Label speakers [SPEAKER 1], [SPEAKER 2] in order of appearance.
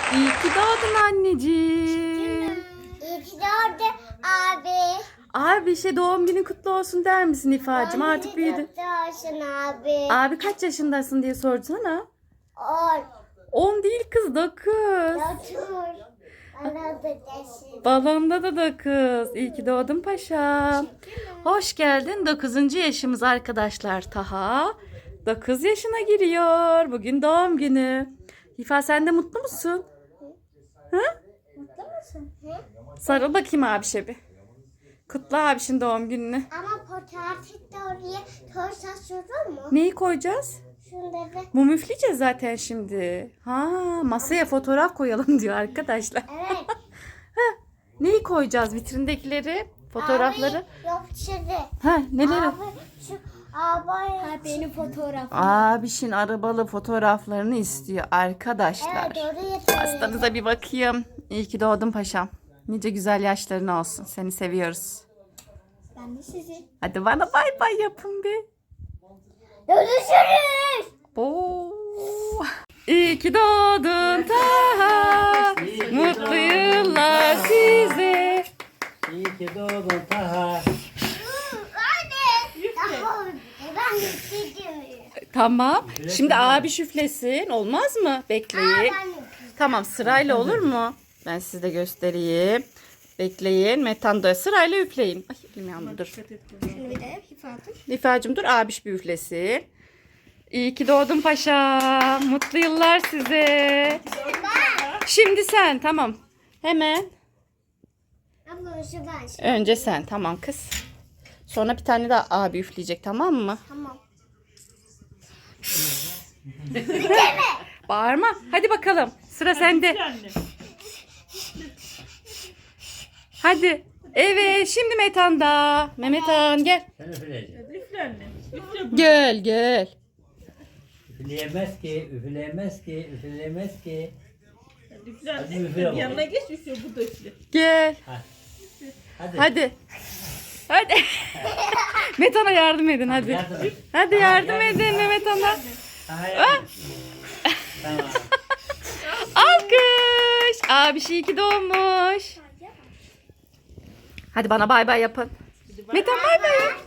[SPEAKER 1] İyi ki doğdun anneciğim.
[SPEAKER 2] İyi ki doğdun abi.
[SPEAKER 1] Abi doğum günün kutlu olsun der misin İfa'cığım? Artık büyüdün.
[SPEAKER 2] Kutlu olsun abi.
[SPEAKER 1] Abi kaç yaşındasın diye sorsana.
[SPEAKER 2] 10.
[SPEAKER 1] 10 değil kız, 9.
[SPEAKER 2] Otur. Bana da desin.
[SPEAKER 1] Balonda da 9. İyi ki doğdun paşam. Hoş geldin. 9. yaşımız arkadaşlar. Taha 9 yaşına giriyor. Bugün doğum günü. İfa, sen de mutlu musun? Hı?
[SPEAKER 2] Mutlu musun? Hı?
[SPEAKER 1] Sarıl bakayım abişe bir. Kutla abişin doğum gününü.
[SPEAKER 2] Ama fotoğrafı da oraya koysak olur mu?
[SPEAKER 1] Neyi koyacağız?
[SPEAKER 2] Şunları.
[SPEAKER 1] Mum üfleyeceğiz zaten şimdi. Ha, masaya fotoğraf koyalım diyor arkadaşlar.
[SPEAKER 2] Evet.
[SPEAKER 1] Neyi koyacağız? Vitrindekileri, fotoğrafları.
[SPEAKER 2] Abi yok şimdi.
[SPEAKER 1] Ha, neleri?
[SPEAKER 2] Abi şu abi. Ha benim fotoğrafım.
[SPEAKER 1] Abişin arabalı fotoğraflarını istiyor arkadaşlar.
[SPEAKER 2] Evet oraya
[SPEAKER 1] Pastanıza bir bakayım. İyi ki doğdun paşam. Nice güzel yaşların olsun. Seni seviyoruz.
[SPEAKER 2] Ben de sizi.
[SPEAKER 1] Hadi bana bay bay yapın bir.
[SPEAKER 2] Görüşürüz.
[SPEAKER 1] Oo. İyi ki doğdun Taha. Mutlu yıllar size.
[SPEAKER 3] İyi ki doğdun Taha.
[SPEAKER 2] Anne. Daha ben de isteyeceğim.
[SPEAKER 1] Tamam. Şimdi abi şüflesin. Olmaz mı? Bekleyin. Tamam, sırayla olur mu? Ben size de göstereyim. Bekleyin. Metan da sırayla üfleyin. Ay, elim yandı, dur.
[SPEAKER 2] Şunu bir de hifadın.
[SPEAKER 1] Nifacığım dur, abiş bir üflesin. İyi ki doğdun paşam. Mutlu yıllar size. Şimdi sen, tamam. Hemen.
[SPEAKER 2] Abla şu ben.
[SPEAKER 1] Önce sen, tamam kız. Sonra bir tane daha abi üfleyecek, tamam mı?
[SPEAKER 2] Tamam.
[SPEAKER 1] Bağırma. Hadi bakalım. Sıra sende. Hadi. Evet, şimdi Metan'da. Mehmet Han gel.
[SPEAKER 3] Sen üfleyeceksin.
[SPEAKER 4] Üfle anne. Üfle.
[SPEAKER 1] Gel gel.
[SPEAKER 3] Üfleyemez ki, üfleyemez ki, üfleyemez ki.
[SPEAKER 4] Üfle
[SPEAKER 3] Hadi
[SPEAKER 4] anne.
[SPEAKER 3] üfle
[SPEAKER 4] Bir
[SPEAKER 3] bakalım.
[SPEAKER 4] yanına geç üfle. Bu da üfle.
[SPEAKER 1] Gel.
[SPEAKER 3] Hadi.
[SPEAKER 1] Hadi. Hadi. Metan'a yardım edin hadi.
[SPEAKER 3] Yardım et.
[SPEAKER 1] Hadi yardım edin Mehmet Han'a.
[SPEAKER 3] Taha yardım. Tamam.
[SPEAKER 1] Alkış. Abi iyi ki doğmuş. Hadi bana bay bay yapın. Metan bay bay yap.